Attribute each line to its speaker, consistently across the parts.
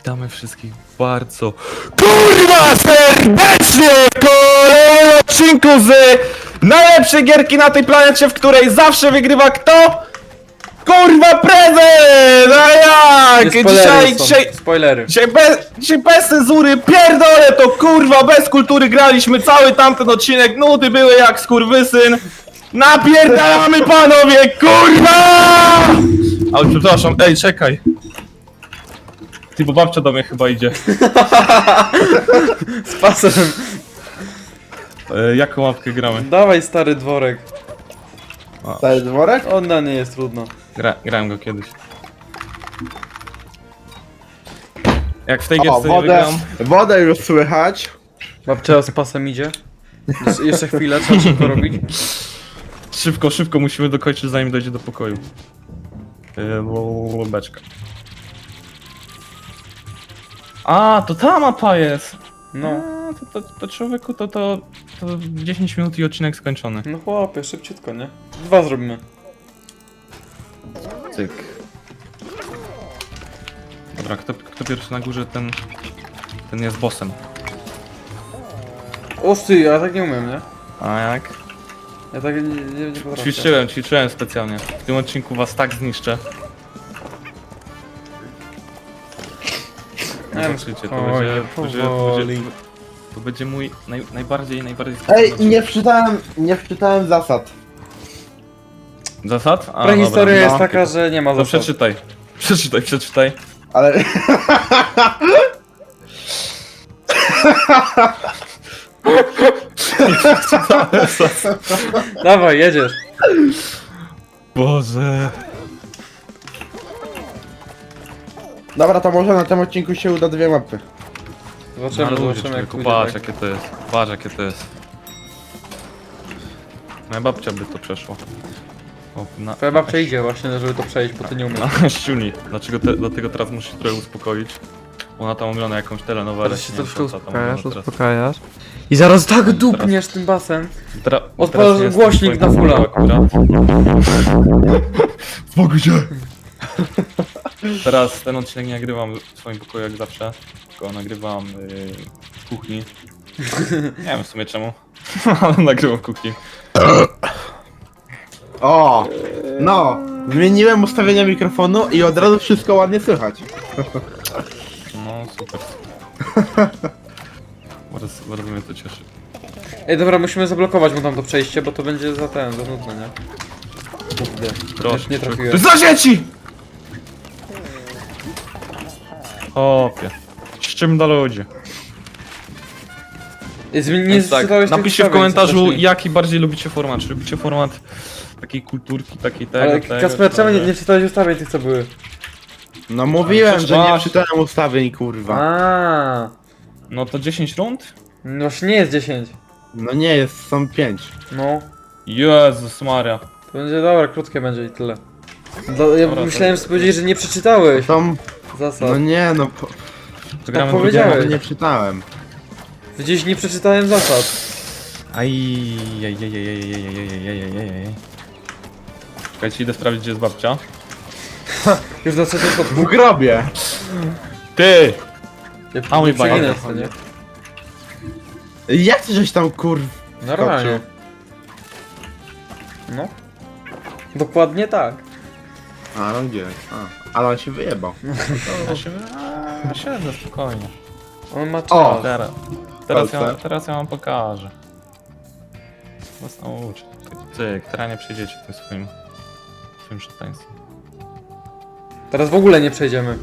Speaker 1: Witamy wszystkich bardzo kurwa serdecznie w kolejnym odcinku z najlepszej gierki na tej planecie, w której zawsze wygrywa kto? Kurwa prezent! A jak?
Speaker 2: Spoilery.
Speaker 1: Dzisiaj bez cenzury, pierdolę to kurwa, bez kultury graliśmy cały tamten odcinek, nudy były jak skurwysyn. Napierdalamy panowie, kurwa! Ale przepraszam, ej czekaj. Ty, bo babcia do mnie chyba idzie.
Speaker 2: Z pasem.
Speaker 1: Jaką łapkę gramy?
Speaker 2: Dawaj stary dworek.
Speaker 3: Stary dworek?
Speaker 2: On na nie jest trudno.
Speaker 1: Grałem go kiedyś. Jak w tej
Speaker 3: O,
Speaker 1: gierce nie
Speaker 3: wodę,
Speaker 1: wygram...
Speaker 3: wodę już słychać.
Speaker 2: Babcia z pasem idzie. Jeszcze chwilę, trzeba szybko robić.
Speaker 1: Szybko musimy dokończyć, zanim dojdzie do pokoju. Beczka. A, to ta mapa jest!
Speaker 2: No.
Speaker 1: A, to człowieku, to w 10 minut i odcinek skończony.
Speaker 2: No chłopie, szybciutko, nie? 2 zrobimy.
Speaker 1: Cyk. Dobra, kto pierwszy na górze, ten jest bossem.
Speaker 2: O ty, ja tak nie umiem, nie?
Speaker 1: A jak?
Speaker 2: Ja tak nie potrafię.
Speaker 1: Ćwiczyłem specjalnie. W tym odcinku was tak zniszczę.
Speaker 2: Nie wiem,
Speaker 1: Zobaczycie,
Speaker 2: powoli.
Speaker 1: to będzie mój najbardziej
Speaker 3: Ej, nie wczytałem zasad.
Speaker 1: Zasad? A,
Speaker 2: Prehistoria
Speaker 1: dobra,
Speaker 2: jest
Speaker 1: no.
Speaker 2: taka, że nie ma
Speaker 1: To
Speaker 2: zasad.
Speaker 1: przeczytaj.
Speaker 3: Ale...
Speaker 2: Dawaj, jedziesz.
Speaker 1: Boże.
Speaker 3: Dobra, to może na tym odcinku się uda 2 mapy.
Speaker 2: Zobaczymy jak pójdzie.
Speaker 1: Patrz
Speaker 2: Tak.
Speaker 1: jakie to jest. Patrz jakie to jest. Moja babcia by to przeszła. O,
Speaker 2: Twoja babcia idzie właśnie, żeby to przejść, bo ty nie umiesz.
Speaker 1: Na ściuni. Dlatego teraz muszę się trochę uspokoić. Ona tam ogląda jakąś telenowelę.
Speaker 2: Teraz się
Speaker 1: nie wiem,
Speaker 2: troszkę
Speaker 1: co ta tam ogląda teraz.
Speaker 2: uspokajasz. I zaraz tak dupniesz tym basem. Odpalasz
Speaker 1: teraz nie jestem
Speaker 2: głośnik
Speaker 1: w
Speaker 2: na
Speaker 1: swoim
Speaker 2: fulla.
Speaker 1: pokoju akurat. Spokój się! Teraz ten odcinek nie nagrywam w swoim pokoju jak zawsze, tylko nagrywam w kuchni. Nie wiem w sumie czemu, ale nagrywam w kuchni.
Speaker 3: O! No! Zmieniłem ustawienia mikrofonu i od razu wszystko ładnie słychać.
Speaker 1: No super. Bardzo mnie to cieszy.
Speaker 2: Ej, dobra, musimy zablokować mu tam to przejście, bo to będzie za nudne, nie? Kurde,
Speaker 1: Proszę.
Speaker 2: nie
Speaker 1: To
Speaker 2: trafiłem.
Speaker 1: jest za dzieci! Hopie. Z czym do ludzi?
Speaker 2: Nie
Speaker 1: Więc tak,
Speaker 2: zczytałeś tych
Speaker 1: napiszcie w
Speaker 2: ustawień,
Speaker 1: komentarzu
Speaker 2: co wcześniej.
Speaker 1: jaki bardziej lubicie format. Czy lubicie format takiej kulturki, takiej tego,
Speaker 2: Ale
Speaker 1: tego,
Speaker 2: Kasper, czemu
Speaker 1: tego?
Speaker 2: nie czytałeś ustawień tych, co były?
Speaker 3: No mówiłem, że nie
Speaker 1: Masz.
Speaker 3: czytałem ustawień, kurwa.
Speaker 2: A,
Speaker 1: No to 10 rund?
Speaker 2: no właśnie nie jest 10.
Speaker 3: No nie jest, są 5.
Speaker 2: No,
Speaker 1: Jezus Maria.
Speaker 2: to będzie dobra, krótkie będzie i tyle. Ja
Speaker 1: Dobra,
Speaker 2: myślałem,
Speaker 1: to-
Speaker 2: że powiedzieć, że nie przeczytałeś
Speaker 3: Są...
Speaker 2: zasad.
Speaker 3: No nie, no...
Speaker 1: To gramy
Speaker 2: Tak powiedziałeś.
Speaker 1: drugie?
Speaker 3: Nie czytałem.
Speaker 2: Gdzieś nie przeczytałem zasad.
Speaker 1: Czekajcie, idę sprawdzić gdzie jest babcia.
Speaker 2: Już na trzecim
Speaker 3: W
Speaker 2: podwójnie.
Speaker 3: grobie!
Speaker 1: Ty! A mój
Speaker 2: przeginaj
Speaker 1: bajer.
Speaker 2: to, nie?
Speaker 3: Jak ty żeś tam kurw...
Speaker 2: Normalnie. No. Dokładnie tak.
Speaker 3: A, no gdzie? Ale on się wyjebał.
Speaker 1: Siedzę spokojnie.
Speaker 2: On ma czas.
Speaker 3: O!
Speaker 1: Teraz ja wam pokażę. Was nauczę. Cyk, teraz nie przejdziecie tym swoim szataństwem.
Speaker 2: Teraz w ogóle nie przejdziemy.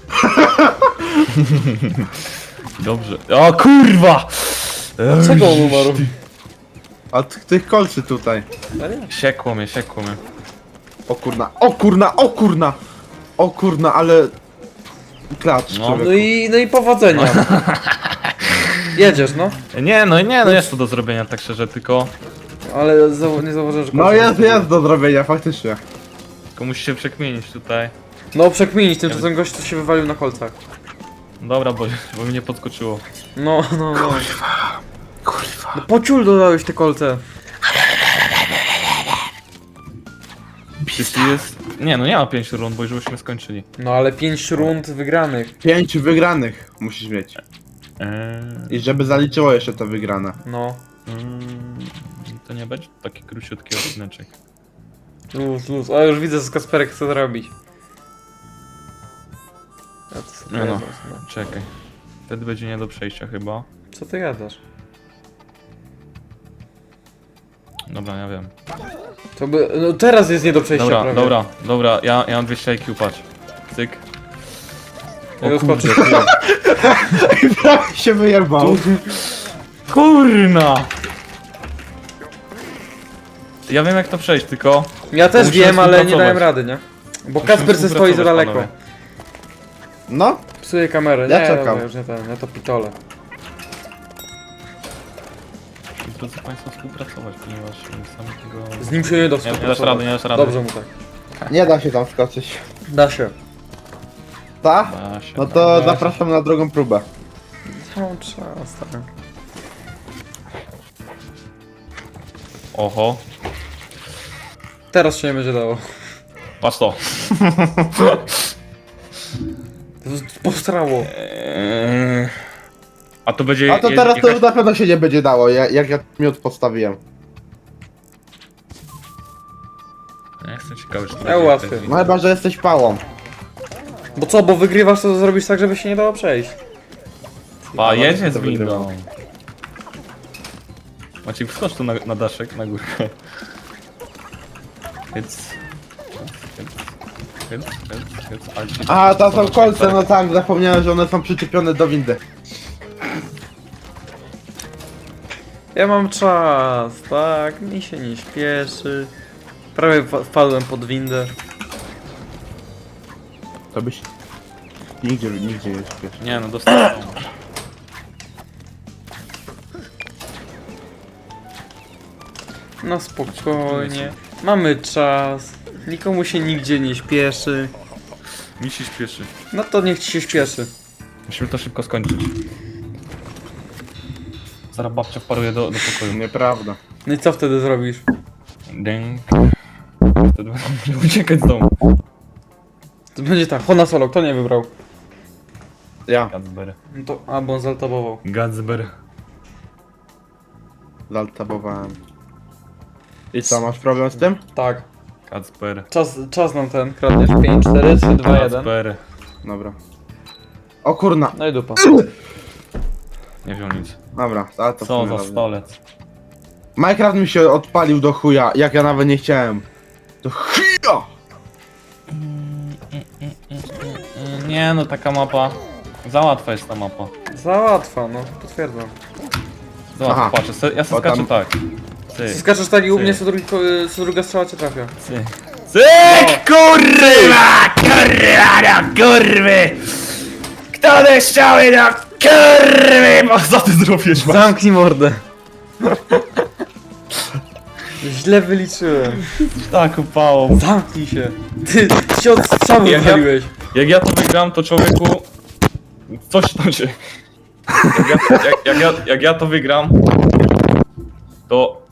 Speaker 1: Dobrze. O kurwa!
Speaker 2: Dlaczego on umarł?
Speaker 3: Od tych kolcy tutaj.
Speaker 2: Serio?
Speaker 1: Siekło mnie.
Speaker 3: O kurna, o kurna, o kurna! O kurna, ale... Klacz,
Speaker 1: No.
Speaker 3: człowieku.
Speaker 2: No i powodzenia. Jedziesz, no.
Speaker 1: Nie, jest to do zrobienia tak szczerze, tylko
Speaker 2: Ale nie zauważyłem, że...
Speaker 3: No jest do zrobienia, faktycznie.
Speaker 1: musicie przekmienić tutaj.
Speaker 2: No przekminić, tymczasem gość tu się wywalił na kolcach.
Speaker 1: Dobra, bo mnie podskoczyło.
Speaker 2: No.
Speaker 3: Kurwa.
Speaker 2: No po ciul dodałeś te kolce.
Speaker 1: Jest Nie, no nie ma 5 rund, bo już byśmy skończyli.
Speaker 2: No ale 5 rund wygranych.
Speaker 3: 5 wygranych musisz mieć. I żeby zaliczyło jeszcze to wygrane.
Speaker 2: No.
Speaker 1: To nie będzie taki króciutki odcineczek.
Speaker 2: Luz. O, już widzę, co Kasperek chce zrobić. Ja to sobie
Speaker 1: No,
Speaker 2: no.
Speaker 1: czekaj. Wtedy będzie nie do przejścia chyba.
Speaker 2: Co ty gadasz?
Speaker 1: Dobra, ja wiem.
Speaker 2: To by... No teraz jest nie do przejścia prawie.
Speaker 1: Dobra, ja mam 200 IQ, patrz. Cyk.
Speaker 2: Ja go skoczę.
Speaker 3: Prawie się wyjebał.
Speaker 1: Kurna! Ja wiem jak to przejść, tylko...
Speaker 2: Ja też
Speaker 1: Musimy
Speaker 2: wiem, ale nie
Speaker 1: współpracować.
Speaker 2: dałem rady, nie? Bo
Speaker 1: Musimy
Speaker 2: Kasper se stoi za daleko.
Speaker 1: panowie.
Speaker 3: No,
Speaker 2: Psuje kamerę.
Speaker 3: Ja
Speaker 2: Nie,
Speaker 3: czekam.
Speaker 2: dobra, już nie ten, ja to pitole.
Speaker 1: Drodzy Państwo, współpracować, ponieważ sami tego...
Speaker 2: Z nim się nie da
Speaker 1: Nie dasz
Speaker 2: współpracować.
Speaker 1: rady, nie dasz rady.
Speaker 2: Dobrze mu tak.
Speaker 3: nie da się tam skoczyć.
Speaker 2: Da się.
Speaker 3: Ta?
Speaker 1: Da się,
Speaker 3: No
Speaker 1: da
Speaker 3: to
Speaker 1: się.
Speaker 3: zapraszam na drugą próbę.
Speaker 2: Cały czas, tak.
Speaker 1: Oho.
Speaker 2: Teraz się nie będzie dało.
Speaker 1: Patrz to.
Speaker 2: Postrało.
Speaker 1: A to będzie...
Speaker 3: A to teraz to już na pewno się nie będzie dało, jak ja miód postawiłem.
Speaker 1: Ja jestem ciekawy, czy to
Speaker 2: Ja łatwiej.
Speaker 3: No chyba, że jesteś pałą.
Speaker 2: Bo co, bo wygrywasz, to zrobisz tak, żeby się nie dało przejść.
Speaker 1: Pa, jedzie z
Speaker 3: To wygrywa.
Speaker 1: windą. Maciek, wskocz tu na daszek, na górkę. Hyc.
Speaker 3: A, to są kolce, no tak, zapomniałem, że one są przyczepione do windy.
Speaker 2: Ja mam czas, tak, mi się nie śpieszy. Prawie wpadłem pod windę.
Speaker 3: To byś... Nigdzie nie śpiesz.
Speaker 1: Nie no, dostałem.
Speaker 2: No spokojnie, mamy czas. Nikomu się nigdzie nie śpieszy.
Speaker 1: Mi się śpieszy.
Speaker 2: No to niech ci się śpieszy.
Speaker 1: Musimy to szybko skończyć. Zaraz babcia wparuje do pokoju.
Speaker 3: Nieprawda.
Speaker 2: No i co wtedy zrobisz?
Speaker 1: Dęk. Wtedy będę uciekać z domu.
Speaker 2: To będzie tak, Hona Solo, kto nie wybrał?
Speaker 3: Ja,
Speaker 1: Gadzber.
Speaker 2: No to, a, bo on zaltabował.
Speaker 1: Gadzber.
Speaker 3: zaltabowałem. I co, masz problem z tym?
Speaker 2: Tak,
Speaker 1: Kacper.
Speaker 2: czas nam ten, kradniesz 5, 4, 3, 2, 1.
Speaker 1: Kacper.
Speaker 3: Dobra. O kurna.
Speaker 2: No i dupa.
Speaker 1: Nie wziął nic.
Speaker 3: Dobra, ale to w
Speaker 1: Co
Speaker 3: sumie
Speaker 1: za
Speaker 3: dobrze.
Speaker 1: stolec.
Speaker 3: Minecraft mi się odpalił do chuja, jak ja nawet nie chciałem. Do chuja!
Speaker 1: Nie no, taka mapa. Za łatwa jest ta mapa.
Speaker 2: Za łatwa, no, potwierdzam.
Speaker 1: Za łatwa,
Speaker 3: Aha.
Speaker 1: patrz, ja se
Speaker 3: Bo
Speaker 1: skaczę
Speaker 3: tam-
Speaker 1: tak. Ty,
Speaker 2: Skaczesz tak i u
Speaker 1: Ty.
Speaker 2: mnie co druga strzała cię trafia.
Speaker 1: ty. Cyk, kurwa! Kurwa, no kurwy! Kto deszczały na kurwy! Co ty zrobiłeś, Maciek?
Speaker 2: Zamknij mordę. Źle wyliczyłem.
Speaker 1: Tak upało.
Speaker 2: Zamknij się. Ty się od strzały
Speaker 1: Jak ja-
Speaker 2: wywaliłeś.
Speaker 1: Jak ja to wygram, to człowieku... Coś tam się... Jak ja to wygram, to...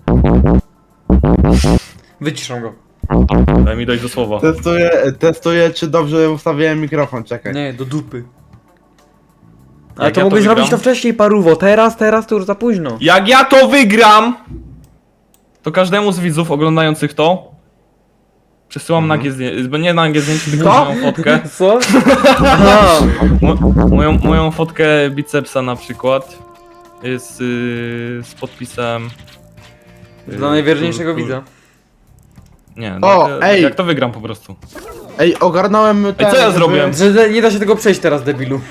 Speaker 2: Wyciszam go.
Speaker 1: Daj mi dojść do słowa.
Speaker 3: Testuję, czy dobrze ustawiłem mikrofon, czekaj.
Speaker 2: Nie, do dupy. Ale
Speaker 1: Jak
Speaker 2: to
Speaker 1: ja
Speaker 2: mogłeś
Speaker 1: to
Speaker 2: zrobić
Speaker 1: wygram?
Speaker 2: to wcześniej, paruwo. Teraz to już za późno.
Speaker 1: Jak ja to wygram, to każdemu z widzów oglądających to przesyłam nagie zdjęcie, nie nagie zdjęcie, tylko
Speaker 2: Co?
Speaker 1: moją fotkę.
Speaker 2: Co? Aha.
Speaker 1: Moją fotkę bicepsa na przykład jest z podpisem.
Speaker 2: Dla najwierniejszego widza.
Speaker 1: Nie,
Speaker 3: O,
Speaker 1: no,
Speaker 3: ej!
Speaker 1: jak to wygram po prostu.
Speaker 3: Ej, ogarnąłem ten...
Speaker 1: co ja
Speaker 3: żeby-
Speaker 1: zrobiłem?
Speaker 2: Że nie da się tego przejść teraz, debilu.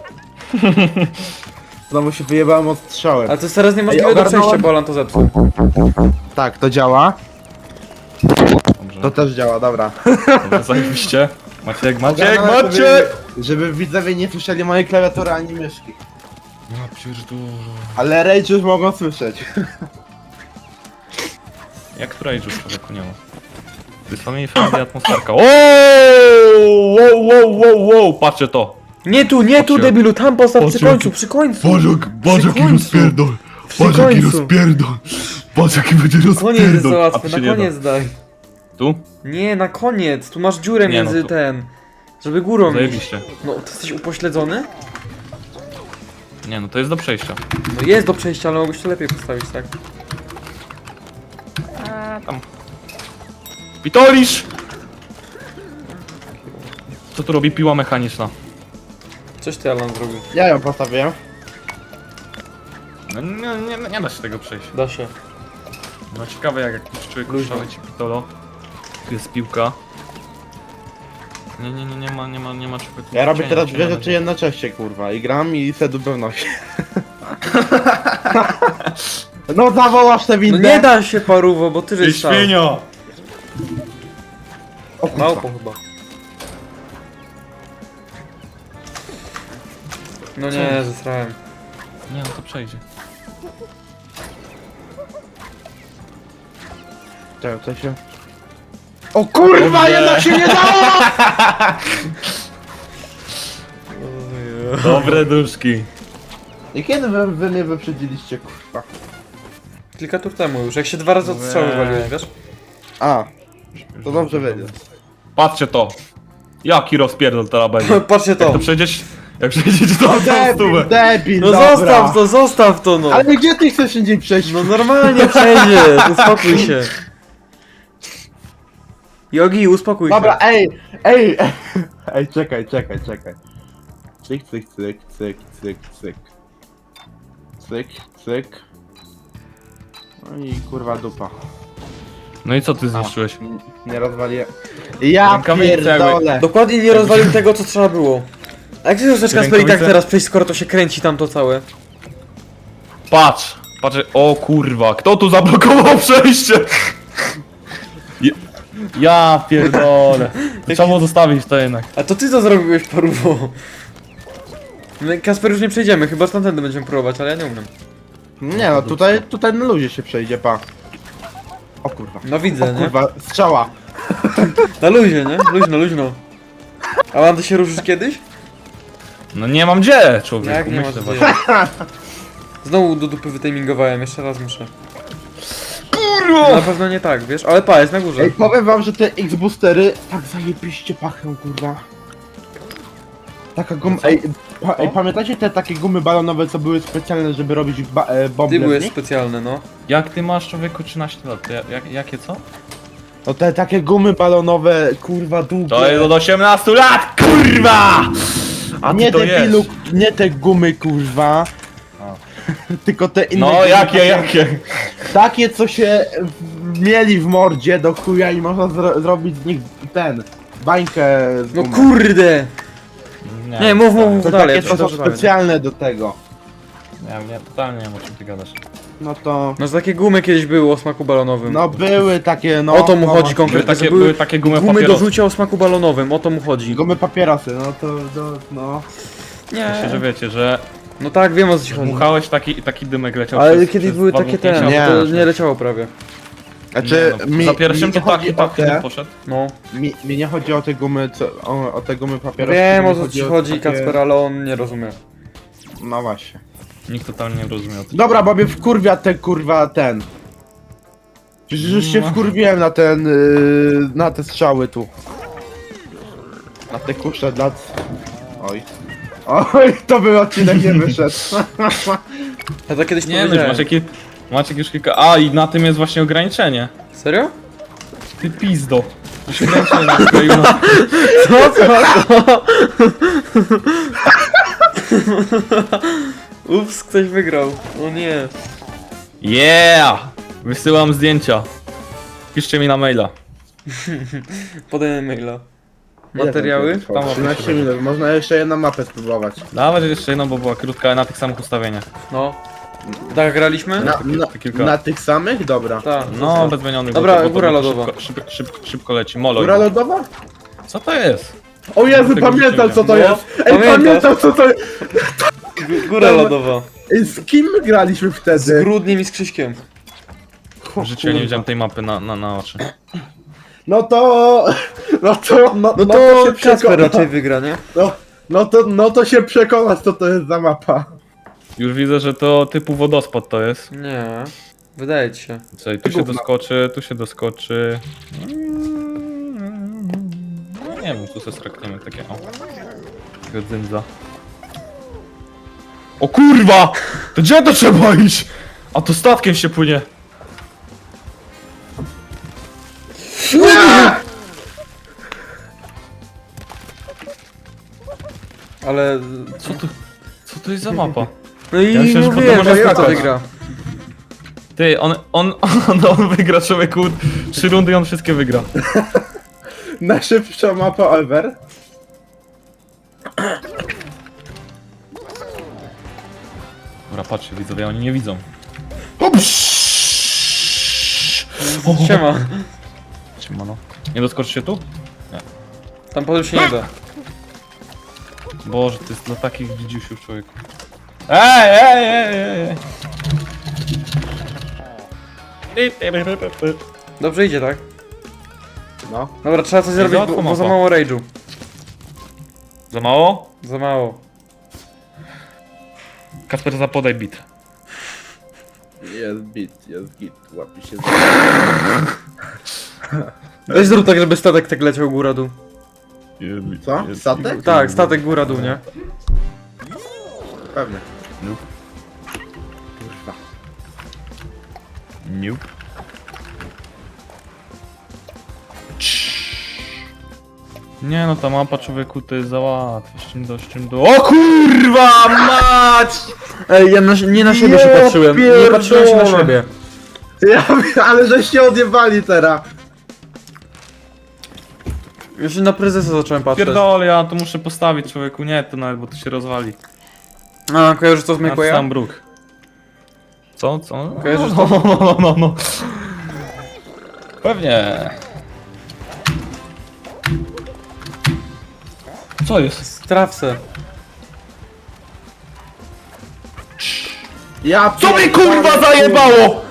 Speaker 3: Znowu się wyjebałem od strzały.
Speaker 2: Ale to jest teraz niemożliwe
Speaker 3: Ej,
Speaker 2: do
Speaker 3: ogarnąłem-
Speaker 2: przejścia, bo Alan to zepsuł.
Speaker 3: Tak, to działa.
Speaker 1: Dobrze,
Speaker 3: To też działa, dobra.
Speaker 1: dobrze, zajebiście. Maciek!
Speaker 3: Ogarnąłem, żeby widzowie nie słyszeli mojej klawiatury ani myszki.
Speaker 1: Ja pierdolę.
Speaker 3: Ale Rage już mogą słyszeć.
Speaker 1: Jak która już człowieku nie ma. To jest family friendly atmosferka. Wow, patrzcie to.
Speaker 2: Nie tu,
Speaker 1: Patrzcie.
Speaker 2: debilu, tam postaw przy
Speaker 1: Patrzcie,
Speaker 2: końcu,
Speaker 1: jaki-
Speaker 2: przy końcu.
Speaker 1: Boże,
Speaker 2: jaki rozpierdol. Przy końcu.
Speaker 1: Patrz jaki będzie
Speaker 2: Koniec jest za łatwy,
Speaker 1: A to
Speaker 2: na
Speaker 1: się nie da.
Speaker 2: koniec daj.
Speaker 1: Tu?
Speaker 2: Nie, na koniec, tu masz dziurę
Speaker 1: Nie, no
Speaker 2: między
Speaker 1: to-
Speaker 2: ten. Żeby górą iść.
Speaker 1: Zajebiście.
Speaker 2: No, ty jesteś upośledzony?
Speaker 1: Nie no, to jest do przejścia.
Speaker 2: No jest do przejścia, ale mogłeś to lepiej postawić, tak?
Speaker 1: Pitolisz! Co tu robi piła mechaniczna?
Speaker 2: Coś ty, Alan, zrobił.
Speaker 3: Ja ją postawiłem.
Speaker 1: No, nie da się tego przejść.
Speaker 2: Da się.
Speaker 1: No ciekawe jak jakiś człowiek
Speaker 2: Luźno.
Speaker 1: ruszał ci pitolo. Tu jest piłka. Nie ma czego tu
Speaker 3: Ja robię
Speaker 1: cienia,
Speaker 3: teraz
Speaker 1: cienia
Speaker 3: dwie
Speaker 1: będzie.
Speaker 3: rzeczy jednocześnie, kurwa. I gram i sedu pewności. No zawołasz tę
Speaker 2: No
Speaker 3: windę.
Speaker 2: nie da się, parówo, bo ty
Speaker 1: Ty
Speaker 2: żeś stał.
Speaker 1: świnio!
Speaker 3: O kurwa.
Speaker 2: Małpo chyba. No nie, zesrałem.
Speaker 1: Nie no to przejdzie.
Speaker 3: Czekaj, co się... O kurwa, jednak się nie dało!
Speaker 1: Dobre duszki.
Speaker 3: I kiedy wy mnie wyprzedziliście, kurwa?
Speaker 2: Kilka tur temu już, jak się 2 razy od strzały waliłem, wiesz?
Speaker 3: A, to dobrze wiedzieć.
Speaker 1: Patrzcie to. Jaki rozpierdol teraz będzie.
Speaker 2: Patrzcie
Speaker 1: Jak
Speaker 2: to.
Speaker 1: to przejdziesz... Jak przejdziecie to na
Speaker 3: Debil,
Speaker 1: stówę.
Speaker 3: debil,
Speaker 2: No
Speaker 3: dobra.
Speaker 2: zostaw to no.
Speaker 3: Ale gdzie ty chcesz indziej przejść?
Speaker 2: No normalnie przejdziesz, uspokój się. Jogi, uspokój
Speaker 3: Dobra,
Speaker 2: się.
Speaker 3: ej, czekaj. Cyk, cyk, cyk, cyk, cyk, cyk. Cyk, cyk. No i kurwa dupa.
Speaker 1: No i co ty zniszczyłeś?
Speaker 3: Nie rozwaliłem. Ja
Speaker 1: Rękawice
Speaker 3: pierdolę.
Speaker 2: Dokładnie nie rozwalił tego, co trzeba było. A jak ty chcesz Kasper i tak
Speaker 1: Rękawice?
Speaker 2: teraz przejść, skoro to się kręci tam to całe?
Speaker 1: Patrz! Patrz, o kurwa, kto tu zablokował przejście? Ja pierdolę. Trzeba było zostawić to jednak.
Speaker 2: A to ty to zrobiłeś, parówo. My, Kasper, już nie przejdziemy, chyba że tamtędy będziemy próbować, ale ja nie umiem.
Speaker 3: Nie no, tutaj na luzie się przejdzie, pa. O kurwa.
Speaker 2: No
Speaker 3: O
Speaker 2: widzę, nie?
Speaker 3: kurwa, strzała.
Speaker 2: Na luzie, nie? Luźno, luźno. A mam ty się ruszysz kiedyś?
Speaker 1: No nie mam gdzie, człowieku,
Speaker 2: Jak nie masz
Speaker 1: myślę
Speaker 2: gdzie?
Speaker 1: właśnie.
Speaker 2: Znowu do dupy wytimingowałem, jeszcze raz muszę.
Speaker 1: Kurwa!
Speaker 2: Na pewno nie tak, wiesz? Ale pa, jest na górze.
Speaker 3: Ej, powiem wam, że te X-boostery tak zajebiście pachną, kurwa. Taka guma... Ej, pamiętacie te takie gumy balonowe, co były specjalne, żeby robić bomby?
Speaker 2: Ty byłeś specjalny, no.
Speaker 1: Jak ty masz, człowieku, 13 lat? Jakie co?
Speaker 3: No te takie gumy balonowe, kurwa, długie.
Speaker 1: To jest od 18 lat, kurwa! A ty
Speaker 3: Nie
Speaker 1: to
Speaker 3: te
Speaker 1: jest.
Speaker 3: pilu, nie te gumy, kurwa. Tylko te inne
Speaker 1: No
Speaker 3: gumy,
Speaker 1: jakie?
Speaker 3: Takie, co się mieli w mordzie do chuja i można zrobić z nich bańkę z
Speaker 2: No
Speaker 3: gumy.
Speaker 2: kurde! Nie, mów
Speaker 3: To
Speaker 2: dalej,
Speaker 3: takie,
Speaker 2: ja
Speaker 3: co
Speaker 2: ci
Speaker 3: są
Speaker 2: dobrze
Speaker 3: specjalne do tego.
Speaker 1: Nie, totalnie nie wiem, o czym ty gadasz.
Speaker 3: No to...
Speaker 2: No, że takie gumy kiedyś były o smaku balonowym.
Speaker 3: No były takie, no...
Speaker 2: O to mu
Speaker 3: no,
Speaker 2: chodzi
Speaker 3: właśnie.
Speaker 2: konkretnie, że
Speaker 1: były takie gumy
Speaker 2: gumy do
Speaker 1: papierosy.
Speaker 2: rzucia o smaku balonowym, o to mu chodzi.
Speaker 3: Gumy papierosy, no to, no...
Speaker 1: Myślę, że wiecie, że
Speaker 2: No tak, wiem o co ci chodzi.
Speaker 1: dmuchałeś taki dymek leciał
Speaker 2: Ale
Speaker 1: przez,
Speaker 2: kiedyś
Speaker 1: przez
Speaker 2: były
Speaker 1: dwa
Speaker 2: takie te,
Speaker 1: dmuchnięcia.
Speaker 3: Nie.
Speaker 2: to nie leciało prawie.
Speaker 3: Znaczy,
Speaker 1: Nie, no, za pierwszym
Speaker 3: mi
Speaker 1: to
Speaker 3: nie chodzi o
Speaker 1: taki
Speaker 3: te,
Speaker 1: poszedł.
Speaker 2: No.
Speaker 3: mi nie chodzi o te gumy, o te gumy papierosy.
Speaker 2: Wiem
Speaker 3: mi
Speaker 2: o co ci
Speaker 3: o
Speaker 2: chodzi,
Speaker 3: takie-
Speaker 2: Kacper, ale on nie rozumie.
Speaker 3: No właśnie.
Speaker 1: Nikt totalnie nie rozumiał.
Speaker 3: Dobra, bo mnie wkurwia ten kurwa ten. Przecież już się
Speaker 1: No.
Speaker 3: wkurwiłem na ten, na te strzały tu. Na te kusze dla... Oj. Oj, to był odcinek nie wyszedł.
Speaker 2: Ja to kiedyś
Speaker 1: Nie no, już
Speaker 2: powiedziałem.
Speaker 1: macie już kilka... A, i na tym jest właśnie ograniczenie.
Speaker 2: Serio?
Speaker 1: Ty pizdo. To się ograniczenie skleiło na...
Speaker 2: Co? Ups, ktoś wygrał. O nie.
Speaker 1: Yeah! Wysyłam zdjęcia. Piszcie mi na maila.
Speaker 2: Podaj maila. Materiały?
Speaker 1: Tam
Speaker 3: 13 minut, można jeszcze jedną mapę spróbować.
Speaker 1: Nawet jeszcze jedną, bo była krótka, ale na tych samych ustawieniach.
Speaker 2: No. Tak graliśmy?
Speaker 1: Kilka.
Speaker 3: Na tych samych? Dobra.
Speaker 2: Tak.
Speaker 1: No, bez zmienionych.
Speaker 2: Dobra,
Speaker 1: bo to
Speaker 2: góra
Speaker 1: szybko-
Speaker 2: lodowa.
Speaker 1: Szybko leci, molo.
Speaker 3: Góra lodowa?
Speaker 1: Co to jest?
Speaker 3: O Jezu,
Speaker 1: Tego
Speaker 3: pamiętam
Speaker 1: nie
Speaker 3: co to
Speaker 2: wiem.
Speaker 3: jest!
Speaker 2: No,
Speaker 3: Ej,
Speaker 2: pamiętasz?
Speaker 3: pamiętam co to jest!
Speaker 2: Góra lodowa.
Speaker 3: Ej, z kim my graliśmy
Speaker 2: Z
Speaker 3: wtedy?
Speaker 2: Grudniem i z Krzyśkiem.
Speaker 1: W życiu ja nie widziałem tej mapy na oczy.
Speaker 3: No to... No to...
Speaker 2: No
Speaker 3: się
Speaker 2: to Kacper
Speaker 3: przekona.
Speaker 2: raczej wygra, nie?
Speaker 3: No to się przekonać co to jest za mapa.
Speaker 1: Już widzę, że to typu wodospad to jest.
Speaker 2: Nie. Wydaje ci się.
Speaker 1: Słuchaj, tu się doskoczy, tu się doskoczy. No nie wiem, tu se strakniemy takie, o. Takiego dzyndza. O kurwa! To gdzie to trzeba iść? A to statkiem się płynie.
Speaker 2: Ale...
Speaker 1: Co to jest za mapa?
Speaker 2: No i
Speaker 1: Ja myślę, że
Speaker 2: mówiłem,
Speaker 1: potem można
Speaker 2: że kto
Speaker 1: skakać.
Speaker 2: wygra.
Speaker 1: Ty, on wygra, człowieku. 3 rundy i on wszystkie wygra.
Speaker 3: Najszybsza mapa ever.
Speaker 1: Dobra, patrzcie, widzowie, oni nie widzą.
Speaker 2: Siema.
Speaker 1: Siemano. Nie doskoczy się tu?
Speaker 2: Tam potem się nie da.
Speaker 1: Boże, to jest dla takich widziusiów, człowieku. Ej!
Speaker 2: Dobrze idzie, tak?
Speaker 3: No.
Speaker 2: Dobra, trzeba coś zrobić,
Speaker 1: łatwo
Speaker 2: bo za
Speaker 1: mapa.
Speaker 2: mało rage'u.
Speaker 1: Za mało?
Speaker 2: Za mało.
Speaker 1: Kasper, zapodaj bit.
Speaker 3: Jest git, łapi się.
Speaker 2: Weź zrób tak, żeby statek tak leciał góra-dół.
Speaker 3: Co? Statek?
Speaker 2: Tak, statek góra-dół, nie?
Speaker 3: Pewnie.
Speaker 1: Nope.
Speaker 3: Kurwa.
Speaker 1: Nope. Nie no, ta mapa, człowieku, to jest za łatwe. Z czym do... O kurwa mać!
Speaker 2: Ej, ja nie na siebie się
Speaker 3: Ja
Speaker 2: patrzyłem. Nie patrzyłem się na
Speaker 3: pierdolę.
Speaker 2: siebie.
Speaker 3: Ale żeście odjebali teraz.
Speaker 2: Już na prezesa zacząłem patrzeć.
Speaker 1: Pierdolę, ja to muszę postawić, człowieku, nie to nawet, bo to się rozwali.
Speaker 2: A, kojarzysz co z Make'a?
Speaker 1: Sam bruk. Co?
Speaker 2: Kojarzysz
Speaker 1: No. Pewnie. Co jest?
Speaker 2: Strawce.
Speaker 3: Ja
Speaker 1: Co mi kurwa zajebało?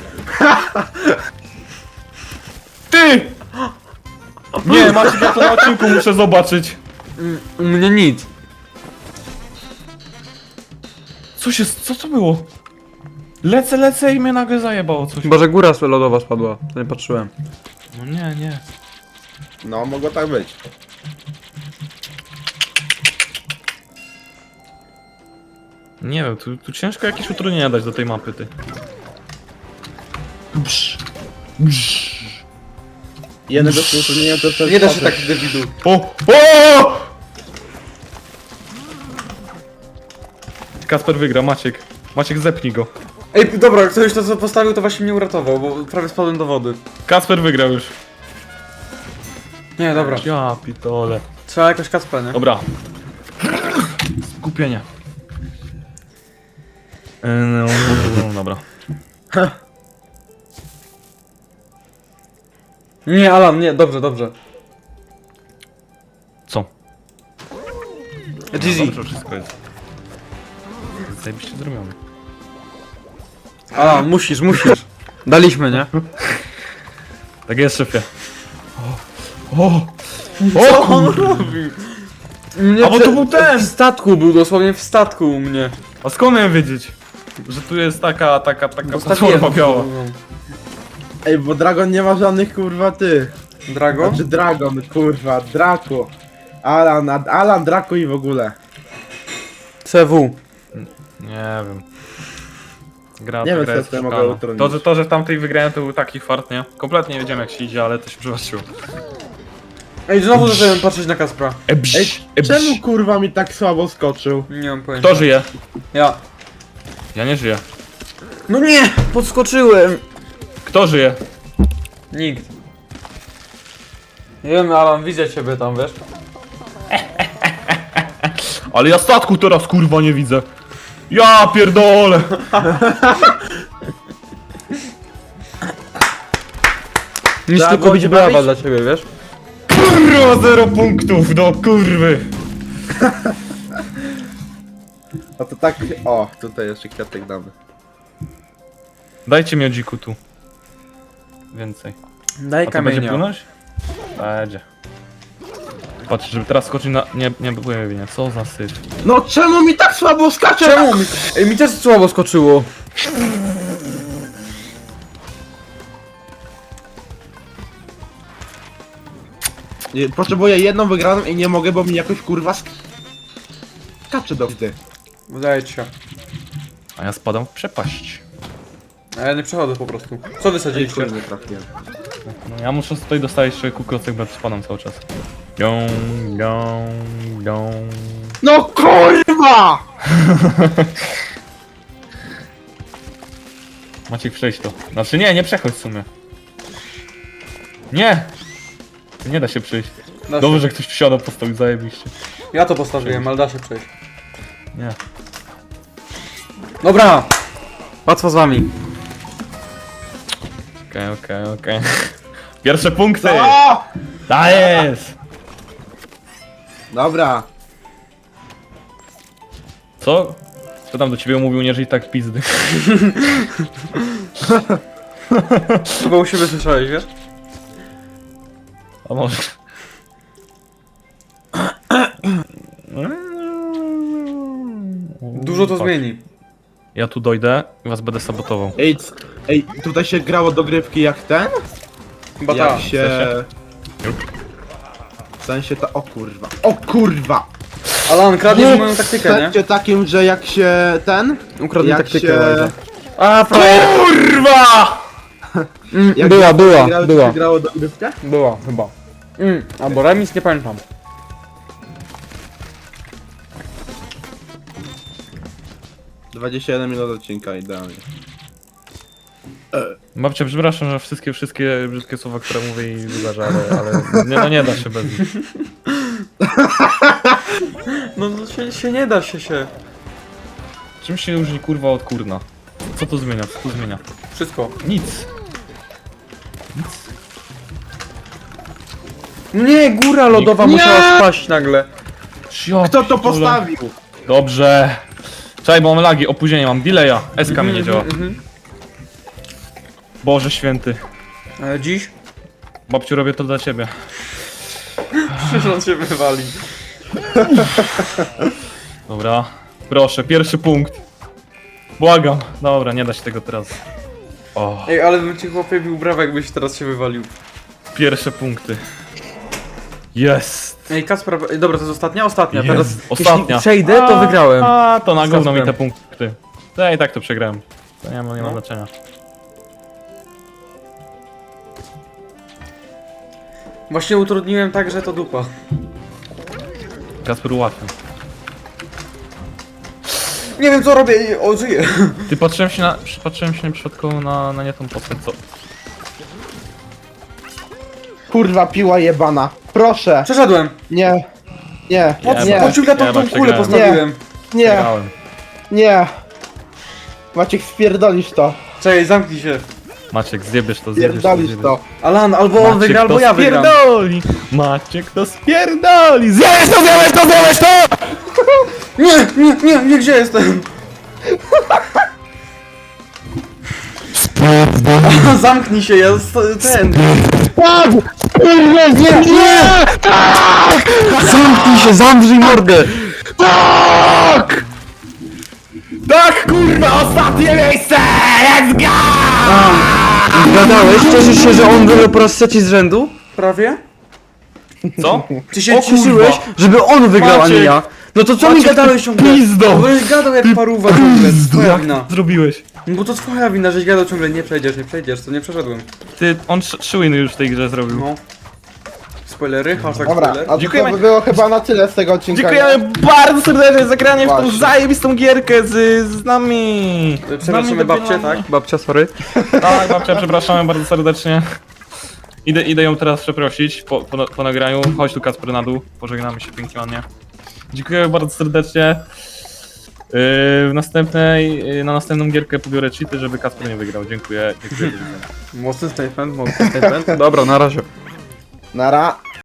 Speaker 1: Ty! Nie, Maciek, ja to na odcinku muszę zobaczyć.
Speaker 2: U mnie nic.
Speaker 1: Co to było? Lecę i mnie nagle zajebało coś.
Speaker 2: Chyba, że góra lodowa spadła. To nie patrzyłem.
Speaker 1: No nie.
Speaker 3: No, mogło tak być.
Speaker 1: Nie wiem, tu ciężko jakieś utrudnienia dać do tej mapy, ty.
Speaker 3: Jednego słowa nie to też
Speaker 2: Nie da się tak debidu.
Speaker 1: O! Kasper wygra, Maciek zepnij go.
Speaker 2: Ej, dobra, ktoś to co postawił to właśnie mnie uratował, bo prawie spadłem do wody.
Speaker 1: Kasper wygrał już.
Speaker 2: Nie, dobra.
Speaker 1: Ja pitole.
Speaker 2: Trzeba jakoś Kacpę, nie?
Speaker 1: Dobra. Skupienie. No, dobra.
Speaker 2: Nie, Alan, nie, dobrze.
Speaker 1: Co?
Speaker 2: GG.
Speaker 1: Dobrze, wszystko jest. Zajebiście zrobione.
Speaker 2: Alan, musisz. Daliśmy, nie?
Speaker 1: Tak jest, szefie. O!
Speaker 2: Co on robi? Mnie
Speaker 1: A bo to był ten!
Speaker 2: W statku był, dosłownie w statku u mnie.
Speaker 1: A skąd miałem wiedzieć? Że tu jest taka
Speaker 2: Postawiłem
Speaker 1: platforma biała.
Speaker 3: Ej, bo Dragon nie ma żadnych kurwa tych.
Speaker 2: Drago?
Speaker 3: Znaczy Dragon, kurwa, Draku. Alan, Draku i w ogóle.
Speaker 2: CW.
Speaker 1: Nie wiem. Gra,
Speaker 3: Nie
Speaker 1: ta
Speaker 3: wiem,
Speaker 1: gra
Speaker 3: co
Speaker 1: jest
Speaker 3: ja mogę
Speaker 1: oszukana.
Speaker 3: utrudnić.
Speaker 1: To, że w tamtej wygrałem, to był taki fart, nie? Kompletnie nie wiedziałem jak się idzie, ale to się przyważyło.
Speaker 2: Ej, znowu zacząłem patrzeć na Kaspra.
Speaker 3: Ej, czemu kurwa mi tak słabo skoczył?
Speaker 2: Nie mam pojęcia.
Speaker 1: Kto żyje?
Speaker 2: Ja.
Speaker 1: Ja nie żyję.
Speaker 2: No nie! Podskoczyłem!
Speaker 1: Kto żyje?
Speaker 2: Nikt. Nie wiem, Alan, widzę ciebie tam, wiesz?
Speaker 1: Ale ja statku teraz kurwa nie widzę. Ja pierdolę!
Speaker 2: Nic
Speaker 3: Trzeba
Speaker 2: tylko
Speaker 3: było
Speaker 2: być
Speaker 3: cię
Speaker 2: brawa
Speaker 3: bawić?
Speaker 2: dla ciebie, wiesz?
Speaker 1: Kurwa 0 punktów, do kurwy!
Speaker 3: A to tak... O, tutaj jeszcze kwiatek damy.
Speaker 1: Dajcie miodziku tu. Więcej.
Speaker 2: Daj
Speaker 1: A to będzie
Speaker 2: kamienia.
Speaker 1: płynąć? Będzie. Patrz, żeby teraz skoczyć na... Nie płynie, co za syf.
Speaker 3: No czemu mi tak słabo skacze?
Speaker 2: Czemu mi... Ej, mi też słabo skoczyło.
Speaker 3: Potrzebuję jedną wygraną i nie mogę, bo mi jakoś kurwa skacze do wdy.
Speaker 2: Wydaje ci się.
Speaker 1: A ja spadam w przepaść.
Speaker 2: A ja nie przechodzę po prostu. Co wysadziliście?
Speaker 3: Nie trafiłem.
Speaker 1: No, ja muszę tutaj dostawać człowieku klocek, bo ja tu spadam cały czas. Ją.
Speaker 3: No kurwa!
Speaker 1: Maciek, przejść to. Znaczy nie przechodź w sumie. Nie! Nie da się przejść.
Speaker 2: Da się.
Speaker 1: Dobrze, że ktoś wsiadał, postawił, zajebiście.
Speaker 2: Ja to postawiłem, ale da się przejść.
Speaker 1: Nie.
Speaker 2: Dobra! Łatwo z wami.
Speaker 1: Okej. Pierwsze punkty!
Speaker 3: O!
Speaker 1: Ta jest!
Speaker 3: Dobra.
Speaker 1: Co? Co tam do ciebie mówił, nie żyj tak pizdy.
Speaker 2: Chyba u siebie słyszałeś, wiesz?
Speaker 1: A może...
Speaker 2: Dużo to
Speaker 1: Fuck.
Speaker 2: zmieni.
Speaker 1: Ja tu dojdę i was będę sabotował.
Speaker 3: Ej, tutaj się grało dogrywki jak ten?
Speaker 2: Chyba
Speaker 3: Jak
Speaker 2: tak.
Speaker 3: się... W sensie ta... O kurwa. O kurwa!
Speaker 2: Alan, kradniesz moją
Speaker 3: W
Speaker 2: taktykę, nie?
Speaker 3: sensie takim, że jak się ten...
Speaker 2: Ukradnij
Speaker 3: jak
Speaker 2: taktykę,
Speaker 3: się...
Speaker 2: Liza. A, frajer!
Speaker 1: Kurwa!
Speaker 3: Jak
Speaker 2: Była,
Speaker 3: grało,
Speaker 2: była.
Speaker 3: Się grało dogrywkę?
Speaker 2: Była, chyba. Albo remis, nie pamiętam.
Speaker 3: - 21 minut odcinka, idealnie.
Speaker 1: Babcia, przepraszam, że wszystkie brzydkie słowa, które mówię i wydarza, ale nie da się bez nich.
Speaker 2: No się nie da się.
Speaker 1: Czym się różni kurwa od kurna? Co to zmienia? Co to zmienia?
Speaker 2: Wszystko.
Speaker 1: Nic.
Speaker 2: No nie, góra lodowa
Speaker 3: Nie!
Speaker 2: musiała spaść nagle.
Speaker 3: Kto to postawił?
Speaker 1: Dobrze. Czekaj, bo mam lagi, opóźnienie mam, delaya. SK mi nie działa. Boże święty.
Speaker 2: Dziś?
Speaker 1: Babciu, robię to dla ciebie.
Speaker 2: Przecież on się wywali.
Speaker 1: Dobra. Proszę, pierwszy punkt. Błagam. Dobra, nie da się tego teraz. O,
Speaker 2: Ej, ale bym ci chłopie bił brawo, jakbyś teraz się wywalił.
Speaker 1: pierwsze punkty. Jest.
Speaker 2: Ej, Kacper, dobra, to jest ostatnia? Ostatnia,
Speaker 1: Jest.
Speaker 2: teraz
Speaker 1: Ostatnia.
Speaker 2: jeśli przejdę, to wygrałem.
Speaker 1: A, to na gówno mi te
Speaker 2: Kacprem.
Speaker 1: punkty. Ja i tak to przegrałem. To nie ma
Speaker 2: No.
Speaker 1: znaczenia.
Speaker 2: Właśnie utrudniłem tak, że to dupa.
Speaker 1: Kasper ułatwiam.
Speaker 2: Nie wiem co robię, o, żyję.
Speaker 1: Ty patrzyłem się przypadkowo na nie tą postać, co?
Speaker 3: Kurwa, piła jebana. Proszę.
Speaker 2: Przeszedłem.
Speaker 3: Nie. Nie.
Speaker 1: Jeba.
Speaker 3: Nie.
Speaker 2: Pociąg na tą
Speaker 1: Jeba,
Speaker 2: kulę
Speaker 1: przegrałem.
Speaker 2: postawiłem.
Speaker 3: Nie.
Speaker 1: Przegrałem.
Speaker 3: Nie. Maciek, spierdolisz to.
Speaker 2: Czekaj, zamknij się.
Speaker 1: Maciek, zjebiesz to.
Speaker 3: Spierdolisz to.
Speaker 2: Alan, albo on
Speaker 1: Maciek
Speaker 2: wygra, albo
Speaker 1: to
Speaker 2: ja wygram.
Speaker 1: spierdoli! Maciek to spierdoli! Zjesz to!
Speaker 2: Nie, gdzie jestem? Zamknij się, ja ten. Zamknij się, zamrzyj mordę.
Speaker 1: Tak, kurwa, ostatnie miejsce! Let's go!
Speaker 2: Gadałeś? Cieszysz się, że on wygrał po raz trzeci z rzędu? Prawie?
Speaker 1: Co?
Speaker 2: Ty się
Speaker 1: O kurwa.
Speaker 2: cieszyłeś, żeby on wygrał, a nie
Speaker 1: Maciek.
Speaker 2: ja. No to co mi
Speaker 1: Maciek,
Speaker 2: gadałeś
Speaker 1: ty
Speaker 2: ciągle?
Speaker 1: pizdo.
Speaker 2: Bo żeś gadał jak paruwa ciągle, to twoja
Speaker 1: Jak
Speaker 2: wina.
Speaker 1: to zrobiłeś?
Speaker 2: No bo to twoja wina, żeś gadał ciągle, nie przejdziesz, to nie przeszedłem.
Speaker 1: Ty, on 3 winy już w tej grze zrobił.
Speaker 2: No. Spoilery, hashtag
Speaker 3: Dobra,
Speaker 2: spoiler.
Speaker 3: a to
Speaker 1: Dziękujemy.
Speaker 3: by było chyba na tyle z tego odcinka.
Speaker 1: Dziękujemy bardzo serdecznie za granie w tą
Speaker 3: Właśnie.
Speaker 1: zajebistą gierkę z nami!
Speaker 2: Przepraszamy babcię, tak? Babcia, sorry.
Speaker 1: Tak, babcia, przepraszamy bardzo serdecznie. Idę ją teraz przeprosić po nagraniu. Chodź tu, Kacper, na dół. Pożegnamy się pięknie ładnie. Dziękuję bardzo serdecznie. Na następną gierkę pobiorę cheaty, żeby Kacper nie wygrał. Dziękuję. Do widzenia.
Speaker 2: Mocny statement, mocny statement. Dobra, na razie.
Speaker 3: Nara.